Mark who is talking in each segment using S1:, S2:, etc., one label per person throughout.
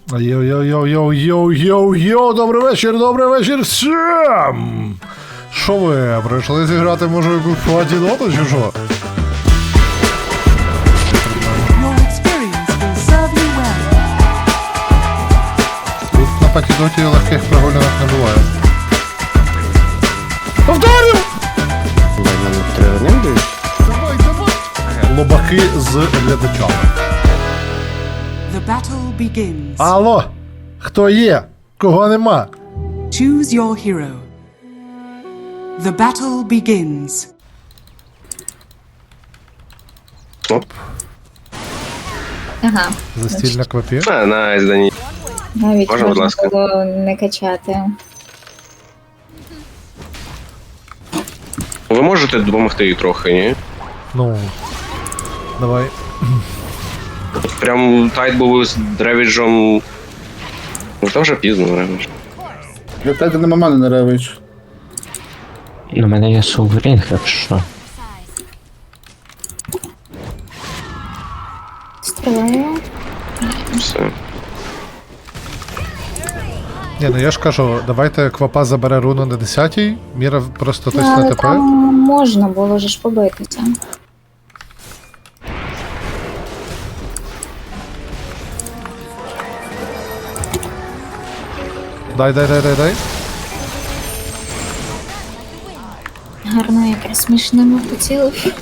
S1: Йоу-йоу-йоу-йоу-йоу-йоу, добрий вечір всім! Що ви, прийшли зіграти, може, якусь платіноту чи що?
S2: Your experience will serve you well.
S1: Тут на патідоті легких прогулянок не буває. Повторю! Давай. Лобаки з глядачами.
S2: The battle begins.
S1: Алло! Хто є? Кого нема?
S2: Choose your hero. The battle begins.
S3: Оп.
S4: Ага,
S1: Застільна квапі.
S3: Найс, Дані.
S4: навіть
S3: Можна, будь
S4: можна
S3: ласка?
S4: було не качати.
S3: Ви можете допомогти їй трохи, ні?
S1: Ну. Давай.
S3: Прям тайт був з Древіджем. Ну, то вже пізно, Древідж.
S5: Я тебе нема мене не ревич.
S6: У мене є суверінг, якщо.
S4: Стрілаю.
S3: Все.
S1: Ні, ну я ж кажу, давайте квапа забере руну на 10-й, Міра просто тисне
S4: Але
S1: ТП.
S4: там можна було ж побитися.
S1: Дай.
S4: Гарно якраз смішними поцілив.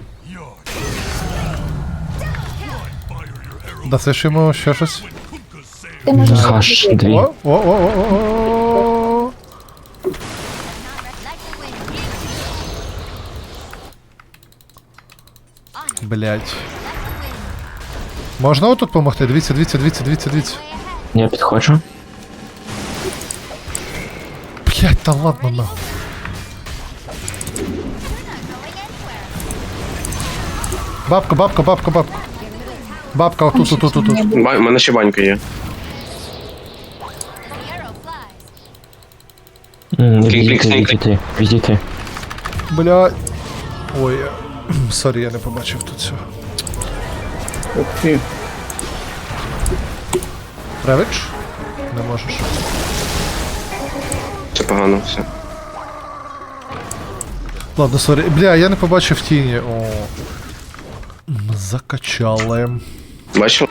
S1: Дасиш йому ще щось?
S4: Ти можеш
S6: Хаш
S4: побити.
S6: 2.
S1: О. Блять. Можна отут помогти? Дивіться.
S6: Я підходжу.
S1: Блять, та ладно нахуй. Бабка. Бабка, отут.
S3: У мене ще банька є.
S6: Відійти.
S1: Бля. Ой. Сорі, я не побачив тут цього.
S5: Ух ти.
S1: Ревич? Не можеш.
S3: Це погано, все.
S1: Ладно, сорі. Бля, я не побачив тіні. О. Закачали.
S3: Бачив?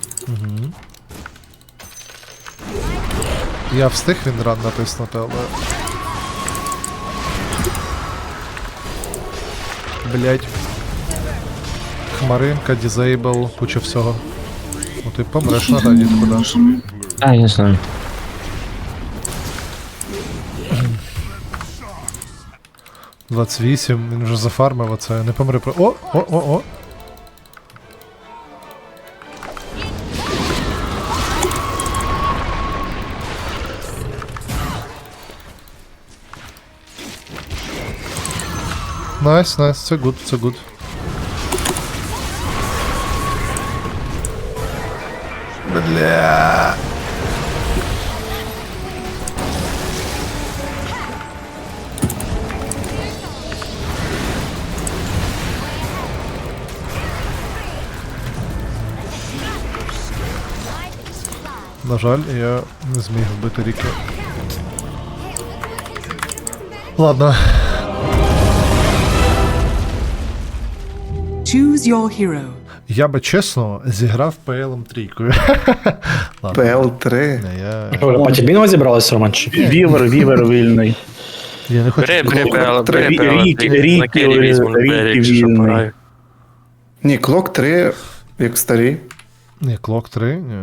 S1: Я встиг він ран натиснути, але... Блять. Хмаринка, дізейбл, куча всього. Ну ти помреш на раді куди.
S6: А, я знаю.
S1: — 28, він вже зафармив оце, не помри про... О! Найс, це гуд. Бля. На жаль, я не зміг вбити Ріки. Ладно.
S2: Choose your hero.
S1: Я би чесно зіграв ПЛ-ом трійкою. Ладно.
S5: ПЛ-3.
S1: Не, я
S7: По Тібіно зібралась, Романчик?
S5: Вівер вільний.
S1: не хочу.
S5: Ріки вільний. Ні, клок 3, як старий.
S1: Ні, клок 3, ні.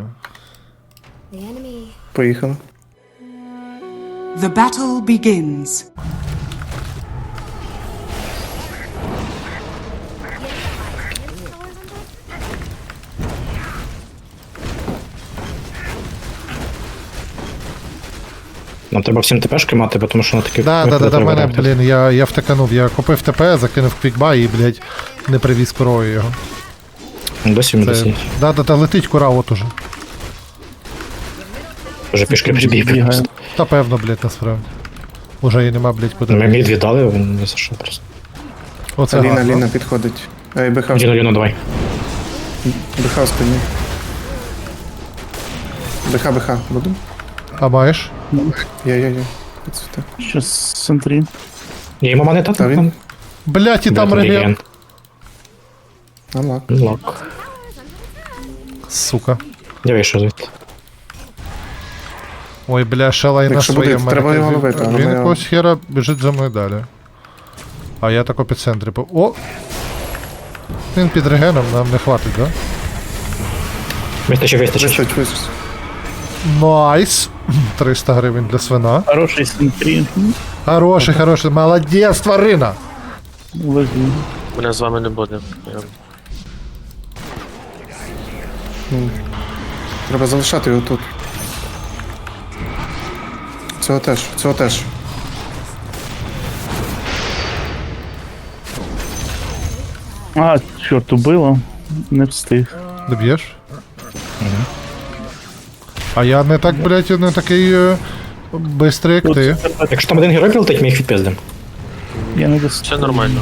S5: Поїхали.
S2: The battle begins.
S7: Нам треба всім ТПшки мати, тому що на таких...
S1: Да, в мене, блін, я втиканув, я купив ТП, закинув квікбай і, блядь, не привіз курою його.
S7: Досі він
S1: Це...
S7: досі.
S1: Да, летить кура от уже.
S7: Вже пішки прибіг.
S1: Та певно, блядь, насправді. Уже її нема, блядь, куди.
S7: Ми мід віддали, він не зайшов просто.
S1: Оце гарно.
S5: Ліна підходить. Ей, БХ
S7: Ліно, давай.
S5: спині. БХ, буду?
S1: А маєш?
S5: Є. Це
S8: Щас в центрі.
S7: Я йому монета
S5: Та він-
S7: там.
S1: Блять, і
S7: Де
S1: там
S7: там
S1: реген.
S7: реген?
S5: Анлак.
S7: Лок.
S1: Сука.
S7: Я вийшов звідти.
S1: Ой, бля, шалай на
S5: Якщо
S1: своєму.
S5: буде, треба його ловити, але
S1: Він
S5: я-
S1: якогось хера біжить за мною далі. А я тако під центрі. О! Він під регеном, нам не хватить, да?
S7: Вистачить.
S5: Вистачить.
S1: Найс! 300 гривень для свина.
S8: Хороший в центрі.
S1: Хороший, молодець, тварина!
S8: Возьму.
S9: Мене з вами не буде.
S5: Треба залишати його тут. Цього теж.
S8: А, чорт, убило. Не встиг.
S1: Доб'єш? А я не так, блядь, не такий бистрий, як ти.
S7: Якщо там один герой прилетить, ми їх відпиздимо.
S8: Я не достиг.
S9: Все нормально.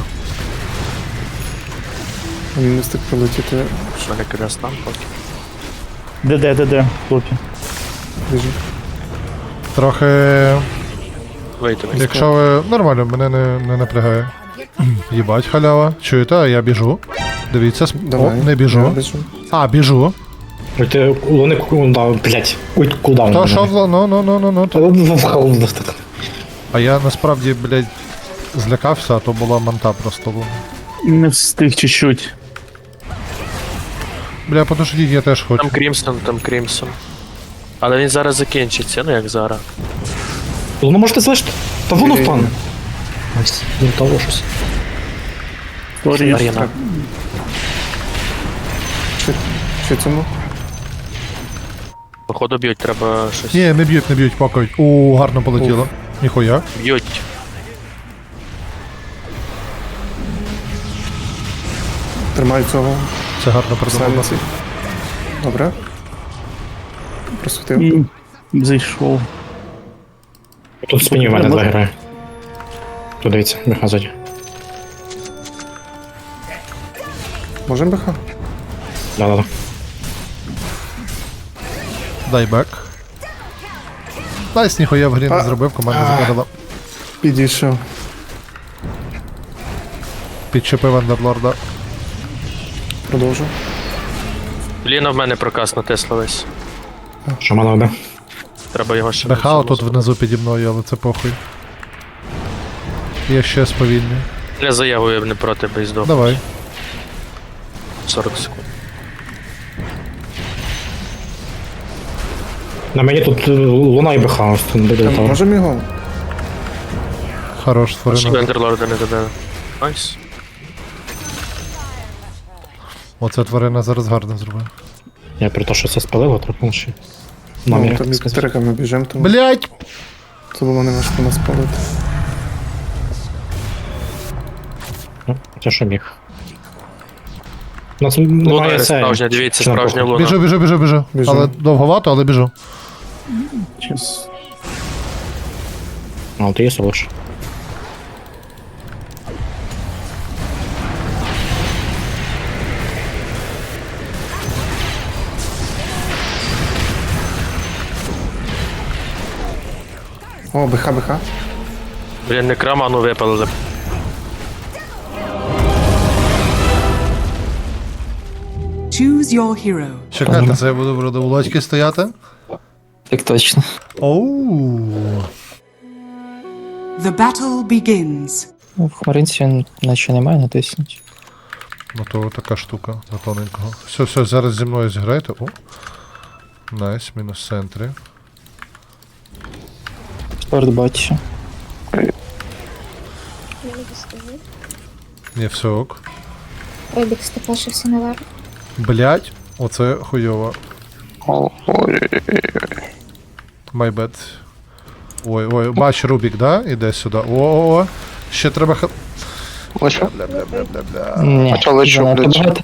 S5: Він не встиг прилетіти.
S9: Що не кидає там поки.
S8: Де, хлопці.
S5: Біжи.
S1: Трохи.
S9: Вийти.
S1: Якщо ви. Нормально, мене не напрягає. Їбать, халява. Чуєте, а я біжу. Дивіться,
S5: Давай.
S1: О, не
S5: Я
S1: біжу.
S5: біжу.
S1: А, біжу.
S7: Ой, ти луни кулдаун, блять. Ой, кулдаун.
S1: То що в
S7: Ну.
S1: А я насправді, блядь, злякався, а то була манта просто.
S8: Не встиг чуть-чуть.
S1: Бля, подождіть, я теж хочу.
S9: Там Крімсон. Але він зараз закінчиться, ну як зараз.
S7: Луну можете залишити? Та воно впане. Не того щось.
S8: Сорі.
S9: Арена.
S5: Чи цьому?
S9: Походу б'ють, треба щось.
S1: Ні, не б'ють, покають. О, гарно полетіло. Ніхуя.
S9: Б'ють.
S5: Тримаю цього.
S1: Це гарно придумано.
S5: Сальниці. Добре. Просвітив.
S8: Зайшов.
S7: Тут в спині в мене два герої. Тут дивіться, беха ззаді.
S5: Можем БХ?
S7: Да.
S1: Дай бек. Найс, ніхуя в грі не
S5: А.
S1: зробив, команда загадала.
S5: Підійшов.
S1: Підчепив андерлорда.
S5: Продовжу.
S9: Ліна в мене проказ натисла весь.
S7: Шамана вбив.
S9: Треба його ще.
S1: Бехао тут внизу піді мною, але це похуй. Я ще сповільний.
S9: Я заяву я б не проти би здох.
S1: Давай.
S9: 40 секунд.
S7: На мені тут луна і беха, ось тут буде того.
S5: Можемо його?
S1: Хорош,
S9: Щоб
S1: створено.
S9: Ендерлорда не добили. Найс.
S1: Оце тварина зараз гарно зробив.
S7: Я при то, що це спалило, трохи ще.
S5: Ну,
S7: Намір,
S5: там
S7: так
S5: і
S7: сказати.
S5: треками біжимо, тому
S1: Блять!
S5: це було не важко нас палити.
S7: Ну, це що міг. У нас
S9: Луна
S7: немає
S9: не
S7: цей.
S9: справжня, дивіться,
S7: Чи на
S9: справжня
S7: похуй?
S9: луна.
S1: Біжу.
S5: Біжу.
S1: Але довговато, але біжу.
S8: Щас.
S7: А, от є солош.
S5: О, БХ.
S9: Блін, не краману випалили.
S2: Choose your hero.
S1: Чекайте, це я буду в родоволодьки стояти.
S6: Так точно.
S1: Оу.
S2: The battle begins.
S6: Ну, в хмаринці наче немає, натиснуть.
S1: Ну то така штука за тоненького. Все, зараз зі мною зіграйте. О. Найс, мінус в центрі.
S6: Спорт бачу.
S1: Ні, все ок.
S4: Робік степашився наверх.
S1: Блять, оце хуйово. My bad. Ой, бач Рубік, да? Іде сюди. О. Ще треба
S6: Ні, занадто багато.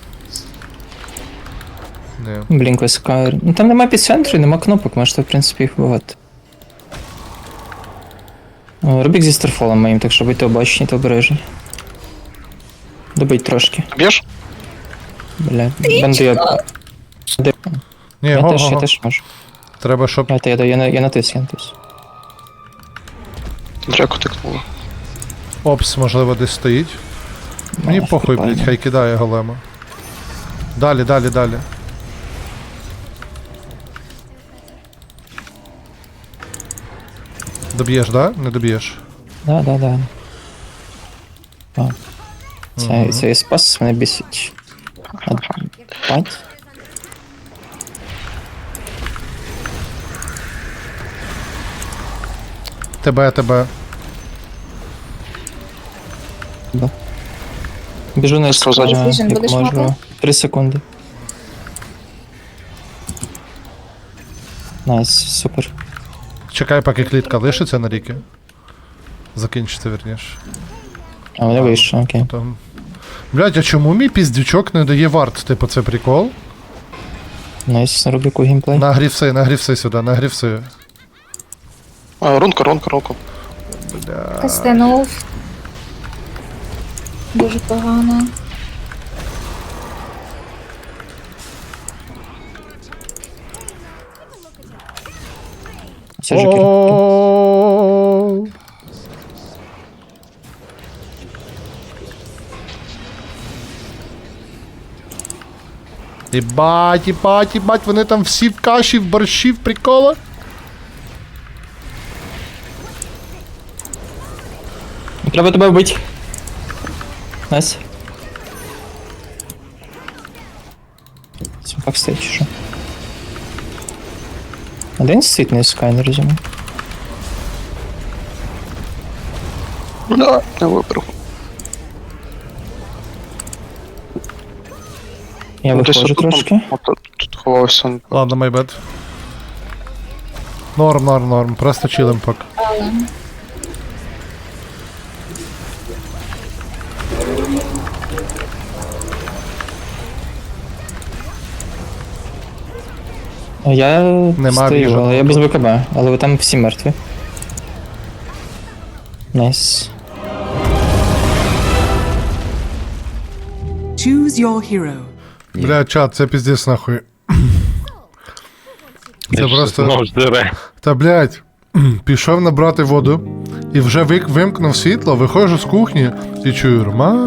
S1: Ні.
S6: Блінк висока. Ну там нема підцентру, нема кнопок, можете в принципі їх вбивати. О, Рубік зі старфолом моїм, так що будьте обачні та обережні. Добить трошки.
S3: Б'єш?
S6: Бля, банди я...
S1: Ні,
S6: Я
S1: го.
S6: теж можу.
S1: Треба, щоб.
S6: Я натис.
S3: Драку тикнуло.
S1: Опс, можливо, десь стоїть. Мені похуй, блядь, хай кидає голема. Далі. Доб'єш, да? Не доб'єш.
S6: Да. Цей спас мене бісить. Бать.
S1: Тебе.
S6: Біжу на
S3: Сказати.
S4: Vision,
S6: як
S4: будеш
S6: можу.
S4: мати?
S6: 3 секунди. Найс, супер.
S1: Чекай, поки клітка лишиться на ріки. Закінчиться, вірніше.
S6: А вони вийшли, окей.
S1: Там. Блядь, а чому мій піздючок не дає варт? Типу, це прикол?
S6: Найс, на Рубіку геймплей.
S1: На грівси сюди, на грівси.
S3: Рунка.
S4: Кастенув. Дуже погано.
S6: Це жокер.
S1: О-о-о-о-о-о. Єбать, вони там всі в каші, в борщі, в приколах.
S6: Треба тебе вбити. Найс. Смпак стоїть чи що? Один стоїть на скай, не розумію.
S3: Да, не виберу.
S6: Я виходжу трошки.
S3: Тут ховався.
S1: Ладно, my bad. Норм. Просто чилим поки.
S4: Але
S6: Я
S1: Нема
S6: стою,
S1: біжу.
S6: але я без ВКБ, але ви там всі мертві. Найс.
S2: Choose your hero.
S1: Бля, чат, це піздець нахуй. Це просто.
S9: Знову ж дире.
S1: Та блядь, пішов набрати воду і вже вимкнув світло, виходжу з кухні і чую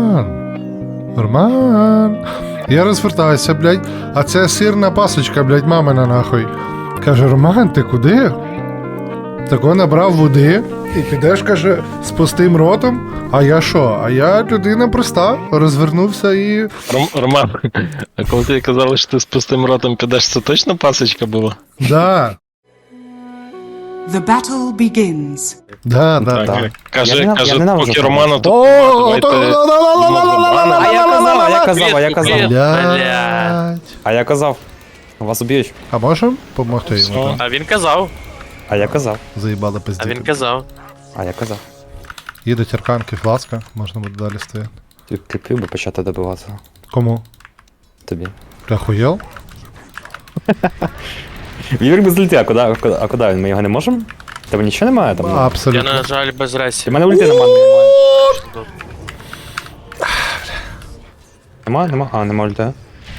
S1: Роман. Я розвертаюся, блядь, а це сирна пасочка, блядь, мамина нахуй. Каже, Роман, ти куди? Тако набрав води і підеш, каже, з пустим ротом. А я що? А я людина проста, розвернувся і.
S9: Роман, а коли ти казали, що ти з пустим ротом підеш, це точно пасочка була?
S1: Да.
S2: The battle begins.
S1: Да.
S9: Каже,
S5: Я ненавиджу
S9: поки
S5: це.
S9: Роману тут
S1: О,
S5: Я казав.
S1: Блядь.
S5: А я казав. Вас уб'ють.
S1: А можем помогти йому там?
S9: А він казав.
S5: А я казав.
S1: Заїбали
S9: А він
S1: пиздіти.
S9: казав.
S5: А я казав.
S1: Їдуть арканки, фласка, можна буде далі стояти.
S5: Ти кліпів би почати добивати.
S1: Кому?
S5: Тобі.
S1: Ти охуєл?
S5: Вівер без ульти, а куди він? Ми його не можемо? Тебе нічого немає там?
S9: Я,
S1: Абсолютно.
S9: на жаль, без
S5: У
S9: ресі.
S5: мене ульти немає. Нема? А, нема ульти.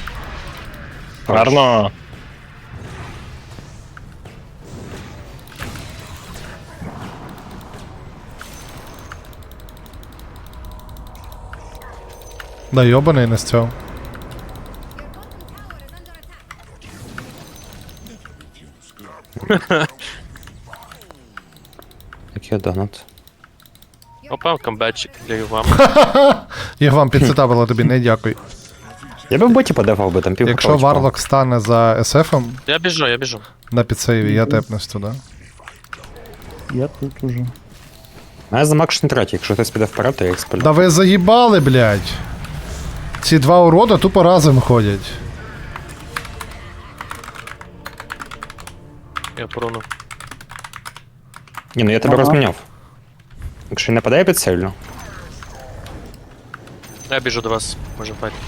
S9: Гарно.
S1: Да йобаний не з цього.
S5: Який донат.
S9: Опа, камбетчик для вам.
S1: Я вам підсетабила тобі, не дякую.
S5: Я би в боті подефав би там пів.
S1: Якщо Варлок стане за SF-ом
S9: Я біжу.
S1: на підсейві, я тепнусь туди.
S8: Я тут уже.
S5: А я за макшн третій, якщо хтось піде вперед, то я їх спалю.
S1: Да ви заїбали, блядь. Ці два урода тупо разом ходять.
S9: Я прону.
S5: Ні, ну я тебе розміняв. Якщо він нападає під сильно.
S9: Я біжу до вас. Може файтись.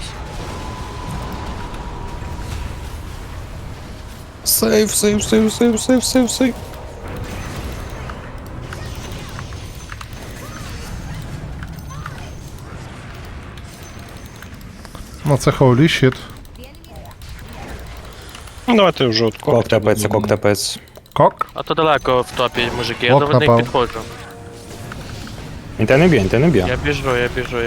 S5: Сейв.
S1: Ну це holy shit.
S9: Ну, давайте вже от
S5: Кок тепається, кок тепається.
S1: Кок.
S9: А то далеко в топі, мужики, я
S1: Ок,
S9: до води
S1: напав.
S9: підходжу.
S5: Він тебе не б'є, він тебе не б'є.
S9: Я біжу.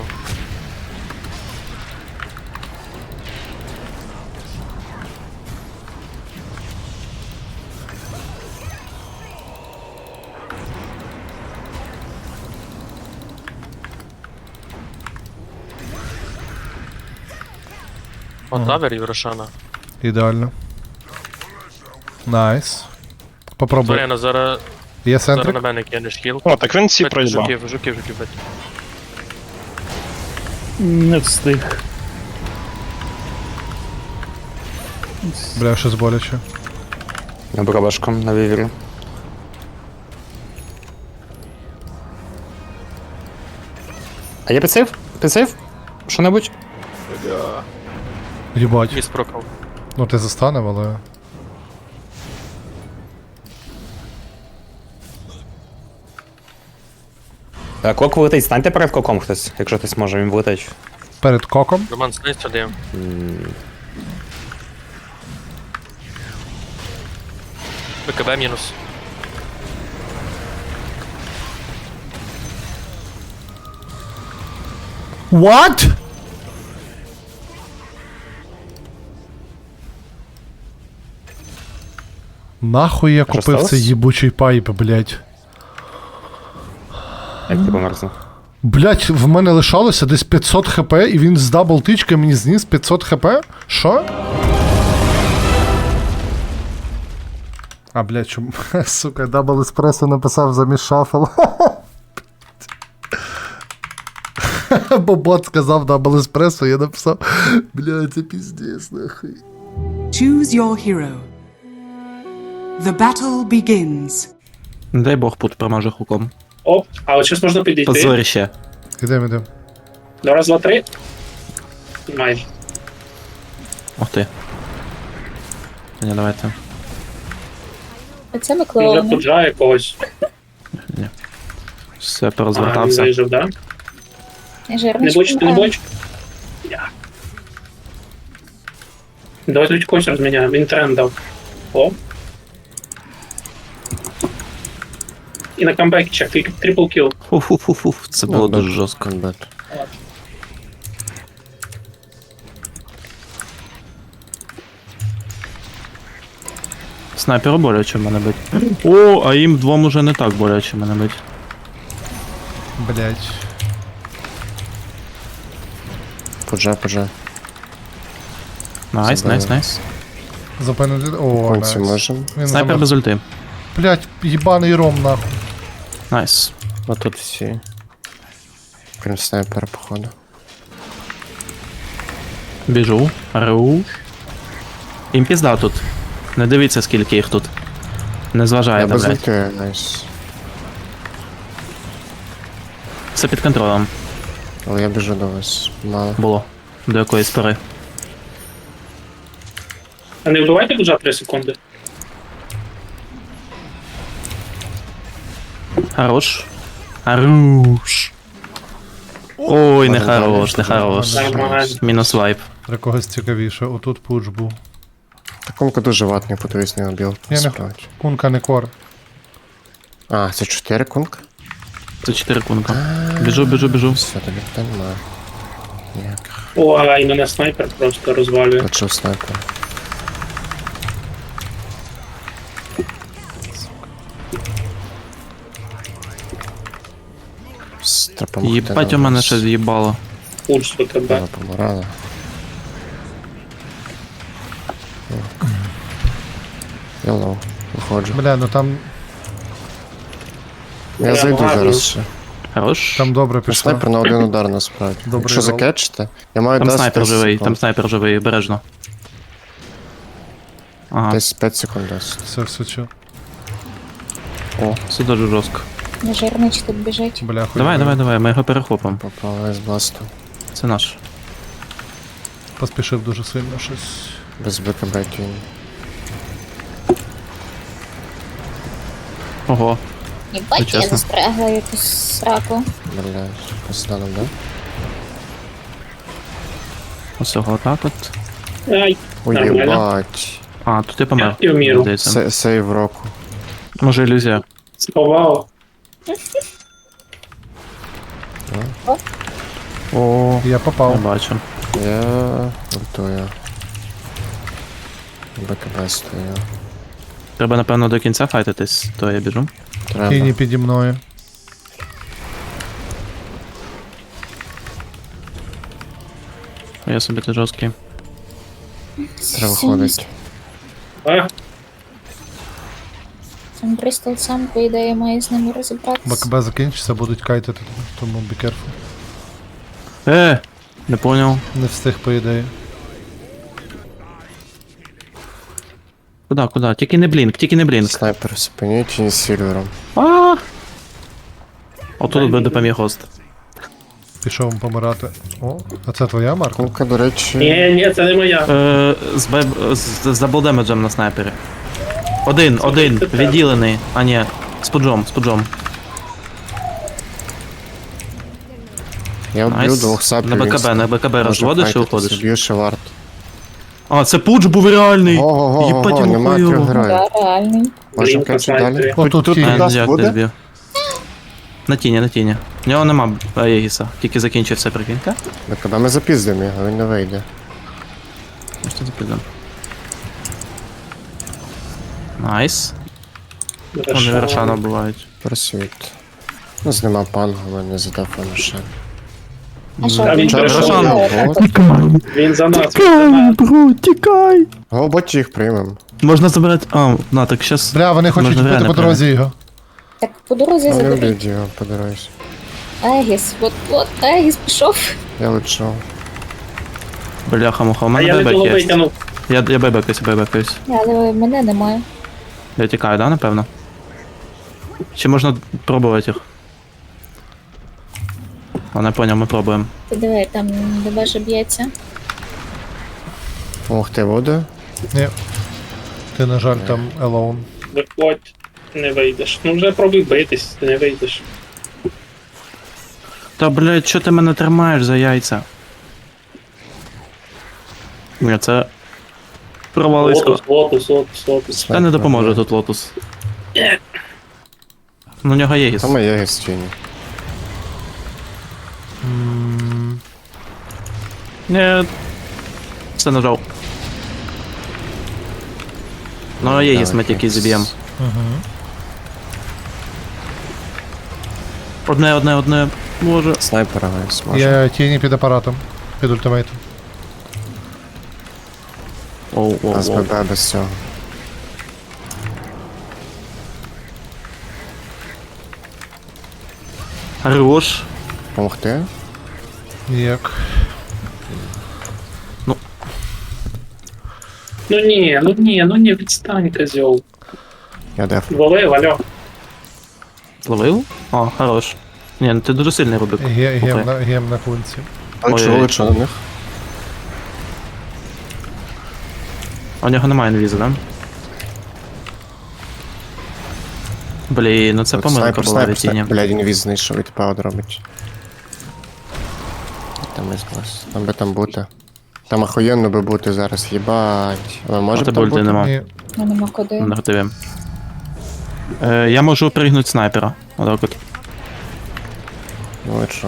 S9: От тавер і Рошана.
S1: Ідеально. Найс. Попробуй.
S9: Зоряна, зараз
S1: Є
S9: на
S1: центрик?
S9: мене кинеш хіл.
S3: О, так він всі
S9: Бить
S3: проїбав.
S9: жуків бить.
S8: Не встиг.
S1: Бля, щось боляче.
S5: На бробашком, на вівері. А є підсейв? Підсейв? Що-небудь?
S1: Їбать.
S9: Міс прокав.
S1: Ну ти застанев, але.
S5: Кок влетить, станьте перед коком хтось, якщо хтось може, він влетить.
S1: Перед коком.
S9: Роман, снизь сюди. БКБ мінус.
S1: What? Нахуй я купив
S5: сталося?
S1: цей їбучий пайп, блять.
S5: Як ти померзнув?
S1: Блять, в мене лишалося десь 500 хп, і він з даблтички мені зніс 500 хп? Що? А, блять, чому? Сука, дабл еспресо написав замість шафл. Бо бот сказав дабл еспресо, я написав. Блять, це піздець, нахуй.
S2: Choose your hero. The battle begins.
S8: Не дай Бог пут промаже хуком.
S7: Оп, а от зараз можна підійти.
S8: Позорище.
S1: Ідем.
S7: До раз, два, три. Майже.
S8: Ох ти. Та ні, давайте.
S4: Оце ми
S7: Вже
S4: клоуни.
S7: пуджає когось.
S8: Все,
S7: Ага, він
S8: порозвертався.
S7: вижив, да? Не
S4: Жирнички.
S7: бочите, не бочите. Я. Давай тут когось розміняємо, він тренд дав. О. І на камбекі чек, тільки трипл кіл.
S8: Фу-фу-фу-фу, це було дуже жорстко. Снайперу боляче мене бить. О, а їм двом уже не так боляче мене бить.
S1: Блять.
S10: Пуджа.
S8: Найс, найс, найс.
S1: Запинити. О,
S10: Конці
S1: найс.
S10: можемо.
S1: Він
S8: Снайпер
S1: замер.
S8: без ульти.
S1: Блять, їбаний ром, нахуй.
S8: Найс.
S10: А тут всі. Крім снайпера, походу.
S8: Біжу. Руш. Їм пізда тут. Не дивіться, скільки їх тут. Не
S10: Я
S8: зважайте,
S10: без
S8: блядь.
S10: ульти, найс.
S8: Все під контролем
S10: Але я біжу до вас. Мало.
S8: було. До якоїсь пори.
S7: А не вбивайте пуджа 3 секунди.
S8: Хорош. Хорош. Ой, не хорош, не хорош.
S7: Нормально.
S8: Мінус вайп.
S1: Для когось цікавіше, отут пуч був.
S10: Такунка дуже ватний, подивись на білд.
S1: Я не Кунка не кор.
S10: А, це 4 кунка?
S8: Це 4 кунка. Біжу.
S10: Все, тобі питань немає. Ніяких.
S7: О, а і мене снайпер просто розвалює.
S10: Почув снайпер.
S8: Єбать у мене ще з'їбало.
S7: Пудж з БКБ.
S10: Помирала. Я лоу. Виходжу.
S1: Бля, ну там
S10: Я зайду
S7: гарно.
S10: зараз ще.
S8: Хорош.
S1: Там добре
S10: Ну,
S1: пішло.
S10: снайпер на один удар насправді.
S1: Добрий
S10: Якщо
S1: рол.
S10: закетчите, я маю
S8: Там
S10: десь
S8: снайпер
S10: 10
S8: живий,
S10: секунд.
S8: там снайпер живий, обережно. Ага,
S10: Десь 5 секунд дасть.
S1: Все, всучу.
S8: це дуже жорстко.
S4: Жирнич тут біжить.
S1: Бля, хуй.
S8: Давай, ми його перехопимо.
S10: Попала з бласту.
S8: Це наш.
S1: Поспішив дуже сильно щось.
S10: Без БКБ кінь.
S8: Ого,
S4: Єбать, я
S8: чесно.
S4: застрягла якусь сраку.
S10: Бля, посданом, да?
S8: ось його отак от.
S7: Ай, нормально.
S10: Уєбать.
S8: А, тут я помер.
S7: Я вміру.
S8: Здається.
S10: Сейв року.
S8: Може ілюзія.
S7: Сховав.
S8: О,
S1: Я
S8: я
S1: попав.
S8: бачу.
S10: Я ультую. БКБ стою.
S8: Треба, напевно, до кінця файтитись, то я біжу.
S10: Треба.
S1: Тіні піді мною.
S8: Я собі тут жорсткий.
S10: Треба виходить.
S7: А,
S4: Там Брістол сам, по ідеї, має з ними розібратися.
S1: БКБ закінчиться, будуть кайтити, тому be careful.
S8: Не поняв.
S1: Не встиг, по ідеї.
S8: Куда? Тільки не блінк, тільки не блінк.
S10: Снайпер спині чи не з сільвером.
S8: А! Отут би допоміг гост.
S1: Пішов помирати. О, а це твоя марка?
S10: Кулка, до речі,
S7: ні, це не моя.
S8: З даблдемеджем на снайпері. Один, відділений. А ні, з пуджом.
S10: я вб'ю
S8: Найс.
S10: двох сапів.
S8: На БКБ розводиш і уходиш.
S10: Б'ю ще варт.
S8: А, це пудж був реальний!
S10: Ого,
S8: Їбать,
S10: нема
S8: йому
S10: трьох
S8: хуйово.
S10: героїв.
S4: Да, реальний.
S10: Можемо
S7: Блін,
S10: качати далі.
S7: снайпери.
S1: О, тут тінь.
S10: нас
S8: Як
S10: буде?
S8: ти збив? На тіні. В нього нема Аєгіса, тільки закінчився прикиньте.
S10: БКБ ми запіздимо його, він не вийде.
S8: Що запитам? Найс. Вони Рошана бувають.
S10: Просвіт. Ну, нема пангу, мене задав ще.
S4: А що,
S7: Та він
S4: він
S7: перейшов.
S4: Рошан.
S7: Він за нас.
S8: бро, тікай!
S10: Голботі їх приймем.
S8: Можна забрати. А, на, так щас.
S1: Бля, вони хочуть
S8: Можна
S1: бути
S8: реально
S1: по дорозі його.
S4: Так, по дорозі
S10: Вони
S4: заберіть.
S10: вб'ють його по дорозі.
S4: Егіс, от, Егіс пішов.
S10: Я лечу.
S8: Бляха-муха, у
S7: А
S8: мене
S7: я не
S8: бебек
S7: того
S8: є.
S7: витягнув.
S8: Я бебекаюсь.
S4: Але мене немає.
S8: Я тікаю, да, напевно? Чи можна пробувати їх? А, не поняв, ми пробуємо.
S4: Ти диви, там ДБ б'ється.
S10: Ох, ти буде?
S1: Ні. Ти, на жаль, там alone.
S7: Виходь, не вийдеш. Ну вже пробуй битись, ти не вийдеш.
S8: Та, блядь, що ти мене тримаєш за яйця? Ні, це... Провалисько.
S7: Лотус.
S8: Та не допоможе тут лотус. Ну, у нього є гіс.
S10: Там є гістіні.
S8: Ні. Все нажав. Ну, є гіс, ми тільки зіб'ємо. Одне. Може.
S10: Снайпера весь може.
S1: Я тіні під апаратом. Під ультимейтом.
S10: А з ББ без цього.
S8: Хорош.
S10: Помогти?
S1: Ніяк.
S7: Ну ні, відстань, козьол.
S10: Я деф.
S7: Лови, Вальо.
S8: Зловив? О, хорош. Ні, ну ти дуже сильний Рубик.
S1: Гем на кунці.
S10: Лечу на них.
S8: А у нього немає інвізу, да? Блін, ну це помилка була від тіні.
S10: Блядь, інвіз знайшов і тепер робить. Там із клас. Там би там бути. Там охуєнно би бути зараз, їбать. Але може
S8: А
S10: б
S8: тебе
S10: там
S8: ульти
S10: бути?
S8: нема.
S1: Ні.
S4: Ну нема куди.
S8: На ГТВ. Я можу пригнути снайпера. Отак от.
S10: Ну лечу.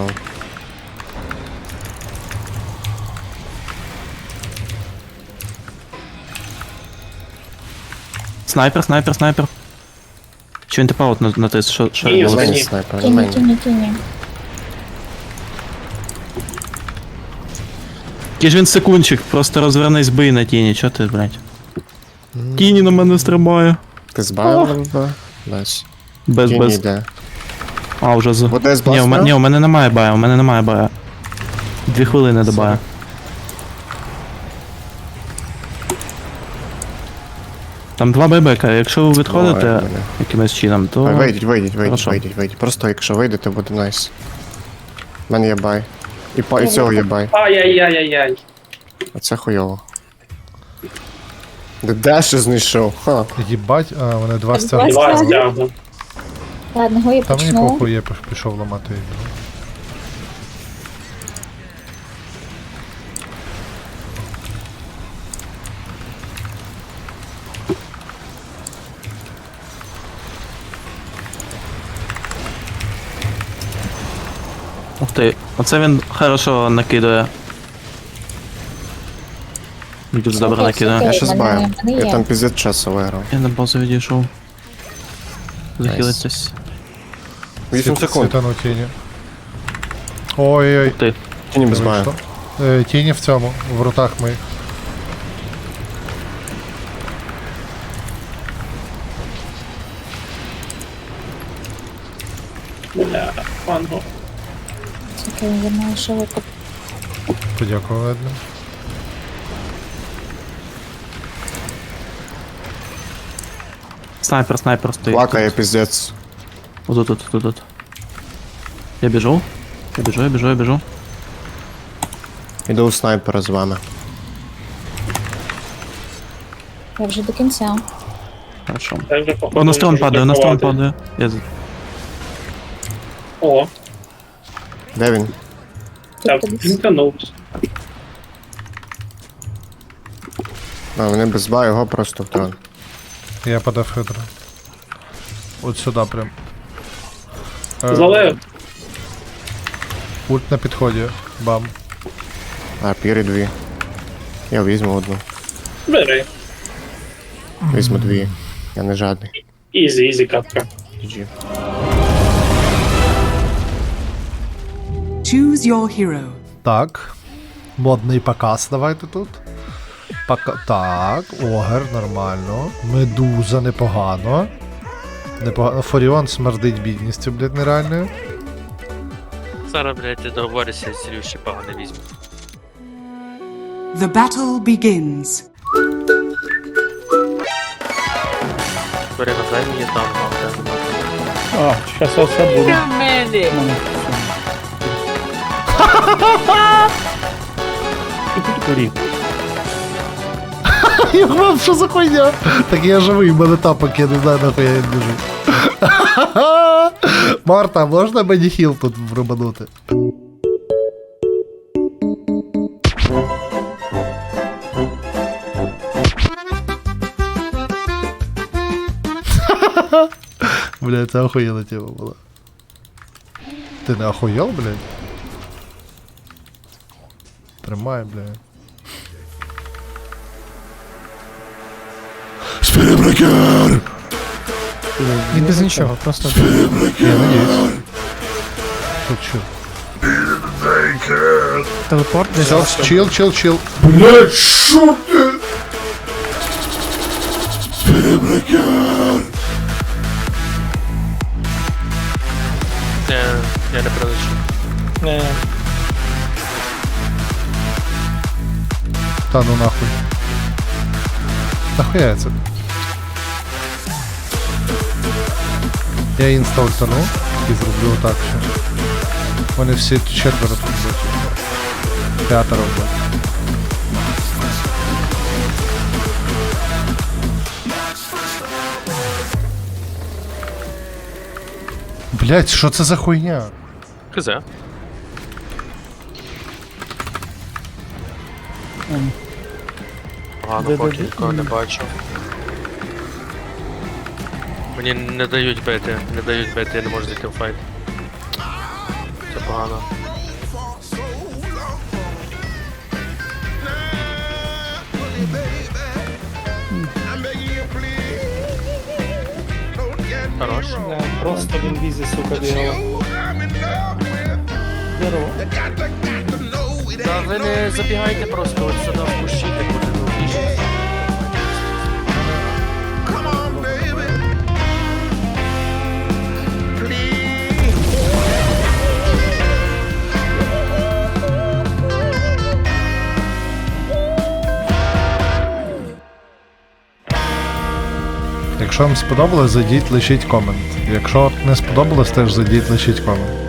S8: Снайпер. Чи він типа от натис, що
S7: Ні,
S8: я
S10: На мені
S7: ні.
S10: снайпер, на
S4: Тіні,
S10: мені.
S4: тіні.
S8: Який ж він секундчик, просто розвернись бий на тіні, чо ти, блядь? Тіні на мене стрибає.
S10: Ти збавив ББ? Без.
S8: Без.
S10: Тіні йде.
S8: А, вже з.
S10: Буде з
S8: Ні,
S10: бластера?
S8: ні, у мене немає бая, 2 хвилини до бая. Там 2 байбека, якщо ви відходите
S10: Ой, бля.
S8: якимось чином, то...
S10: Вийдіть.
S8: Хорошо.
S10: Просто якщо вийдете, буде найс. У мене є бай. І цього є бай.
S7: Ай-яй-яй-яй-яй.
S10: А це хуйово. Де ще знайшов? Ха.
S1: Їбать, а вони два
S4: Так,
S1: стягли.
S7: Два стягну.
S4: Ладно, я
S1: Та мені
S4: почну.
S1: похуй, я пішов ламати їх.
S8: Ух ти, оце він хорошо накидує. Дуже добре накидує.
S10: Я ще
S4: Мене-
S10: збаю.
S4: мене
S10: Я
S4: є.
S10: там піздець часу виграв.
S8: Я на базу відійшов. Захилитись.
S10: 8 секунд.
S1: Світану тіні. Ой-ой-ой.
S8: Ти.
S10: Тіні без баю.
S1: Вийшло. Тіні в цьому, в ротах моїх.
S4: Чекай, я маю ще викуп.
S1: Подякував видно.
S8: Снайпер стоїть.
S10: Плакає піздець.
S8: Тут. Я біжу. Я біжу.
S10: Іду у снайпера з вами.
S4: Я вже до кінця.
S8: Хорошо. О, на строн падає. Я...
S10: Де він?
S4: Тут кудись.
S10: А, вони без баю, його просто в трон.
S1: Я подав хидро. От сюди прям.
S7: Залив.
S1: Ульт на підході. Бам.
S10: А, пірі 2. Я візьму одну.
S7: Бери.
S10: Візьму 2. Я не жадний.
S7: Ізі, катка.
S10: GG.
S2: Choose your hero.
S1: Так. Модний показ давайте тут. Так, Огер, нормально. Медуза непогано. Непогано. Форіон смердить бідністю, блядь, нереальною.
S9: Зараз, блядь, ти договоришся, Сірюші погано візьме.
S2: The battle begins.
S9: Бери на дай мені там, мав.
S7: А, щас все буде.
S1: Я вам що за хуйня? Так я живий, мене тапок, я не знаю, нахуй я біжу. Марта, можна мені хіл тут врубанути? Бля, це охуєнна тема була. Ти не охуєл, блядь? Тримай, блядь. Спірбрекер!
S11: Він без нічого, просто.
S1: Я надіюсь. Тут чил.
S11: Телепорт десь.
S1: Чил. Блядь, шо ти? Спірбрекер!
S9: Я не прилечу.
S1: Та ну нахуй. Нахуя це? Я інста ультану і зроблю так ще. Вони всі четверо тут будуть. П'ятеро будуть. Блять, що це за хуйня?
S9: Хз. Погано, поки нікого не бачу. Мені не дають бити, я не можу зайти в файт. Це погано. Хорош.
S7: Просто він візі, сука, бігав.
S9: Та ви не забігайте просто от сюди в кущі, так буде довгіше.
S1: Якщо вам сподобалось, зайдіть, лишіть комент. Якщо не сподобалось, теж зайдіть, лишіть комент.